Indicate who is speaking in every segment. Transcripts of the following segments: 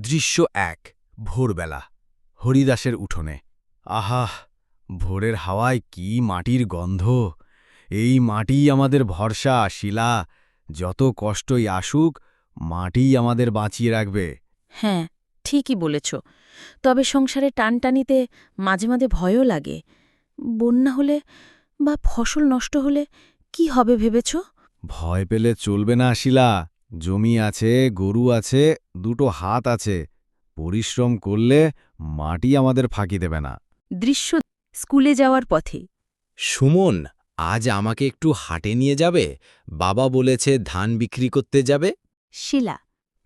Speaker 1: দৃশ্য ১ ভোরবেলা হরিদাসের উঠোনে। আহা, ভোরের হাওয়ায় কি মাটির গন্ধ! এই মাটিই আমাদের ভরসা, শিলা। যত কষ্টই আসুক, মাটিই আমাদের বাঁচিয়ে রাখবে।
Speaker 2: হ্যাঁ, ঠিকই বলেছ। তবে সংসারে টানটানিতে মাঝে মাঝে ভয়ও লাগে। বন্যা হলে বা ফসল নষ্ট হলে কি হবে ভেবেছ?
Speaker 1: ভয় পেলে চলবে না, শিলা। জমি আছে, গরু আছে, দুটো হাত আছে। পরিশ্রম করলে মাটি আমাদের ফাঁকি দেবে না।
Speaker 2: দৃশ্য স্কুলে যাওয়ার পথে।
Speaker 3: সুমন, আজ আমাকে একটু হাটে নিয়ে যাবে? বাবা বলেছে ধান বিক্রি করতে যাবে।
Speaker 2: শিলা,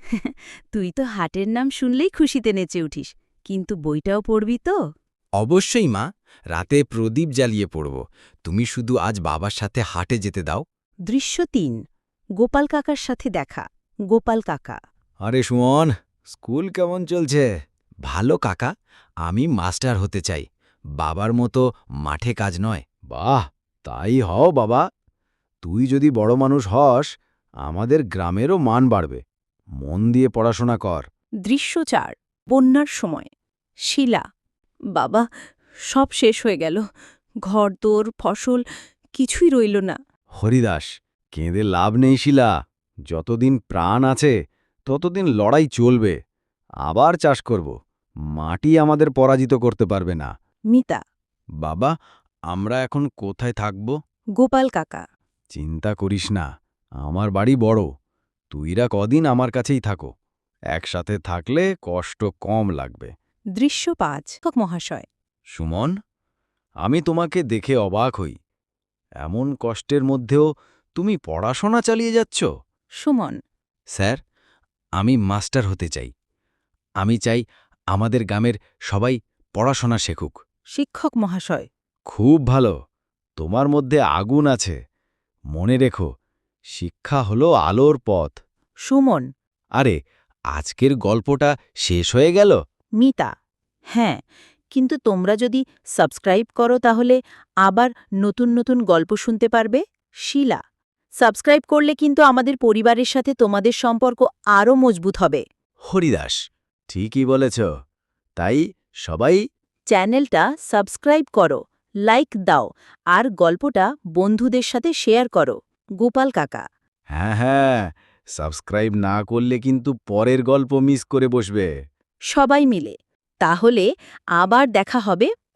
Speaker 2: তুই তো হাটের নাম শুনলেই খুশিতে নেচে উঠিস, কিন্তু বইটাও পড়বি তো?
Speaker 3: অবশ্যই মা, রাতে প্রদীপ জ্বালিয়ে পড়ব। তুমি শুধু আজ বাবার সাথে হাটে যেতে দাও।
Speaker 2: দৃশ্য ৩ গোপাল কাকার সাথে দেখা। গোপাল কাকা।
Speaker 1: আরে সুমন, স্কুল কেমন চলছে?
Speaker 3: ভালো কাকা, আমি মাস্টার হতে চাই। বাবার মতো মাঠে কাজ নয়।
Speaker 1: বাহ, তাই হও বাবা। তুই যদি বড় মানুষ হস, আমাদের গ্রামেরও মান বাড়বে। মন দিয়ে পড়াশোনা কর।
Speaker 2: দৃশ্য ৪ বন্যার সময়। শিলা, বাবা, সব শেষ হয়ে গেল। ঘরদোর, ফসল কিছুই রইল না।
Speaker 1: হরিদাস, কেঁদে লাভ নেই শিলা। যতদিন প্রাণ আছে ততদিন লড়াই চলবে। আবার চাষ করব। মাটি আমাদের পরাজিত করতে পারবে না।
Speaker 2: মিতা।
Speaker 1: বাবা, আমরা এখন কোথায় থাকব?
Speaker 2: গোপাল কাকা।
Speaker 1: চিন্তা করিস না, আমার বাড়ি বড়। তুইরা কদিন আমার কাছেই থাকো। একসাথে থাকলে কষ্ট কম লাগবে।
Speaker 2: দৃশ্য ৫ মহাশয়।
Speaker 1: সুমন, আমি তোমাকে দেখে অবাক হই। এমন কষ্টের মধ্যেও তুমি পড়াশোনা চালিয়ে যাচ্ছ।
Speaker 2: সুমন।
Speaker 3: স্যার, আমি মাস্টার হতে চাই। আমি চাই আমাদের গ্রামের সবাই পড়াশোনা শেখুক।
Speaker 2: শিক্ষক মহাশয়।
Speaker 1: খুব ভালো, তোমার মধ্যে আগুন আছে। মনে রেখো, শিক্ষা হলো আলোর পথ।
Speaker 2: সুমন।
Speaker 3: আরে, আজকের গল্পটা শেষ হয়ে গেল?
Speaker 2: মিতা। হ্যাঁ, কিন্তু তোমরা যদি সাবস্ক্রাইব করো তাহলে আবার নতুন নতুন গল্প শুনতে পারবে। শিলা, সাবস্ক্রাইব করলে কিন্তু আমাদের পরিবারের সাথে তোমাদের সম্পর্ক আরও মজবুত হবে।
Speaker 3: হরিদাস,
Speaker 1: ঠিকই বলেছ। তাই সবাই
Speaker 2: চ্যানেলটা সাবস্ক্রাইব করো, লাইক দাও, আর গল্পটা বন্ধুদের সাথে শেয়ার করো। গোপাল কাকা।
Speaker 1: হ্যাঁ হ্যাঁ, সাবস্ক্রাইব না করলে কিন্তু পরের গল্প মিস করে বসবে।
Speaker 2: সবাই মিলে। তাহলে আবার দেখা হবে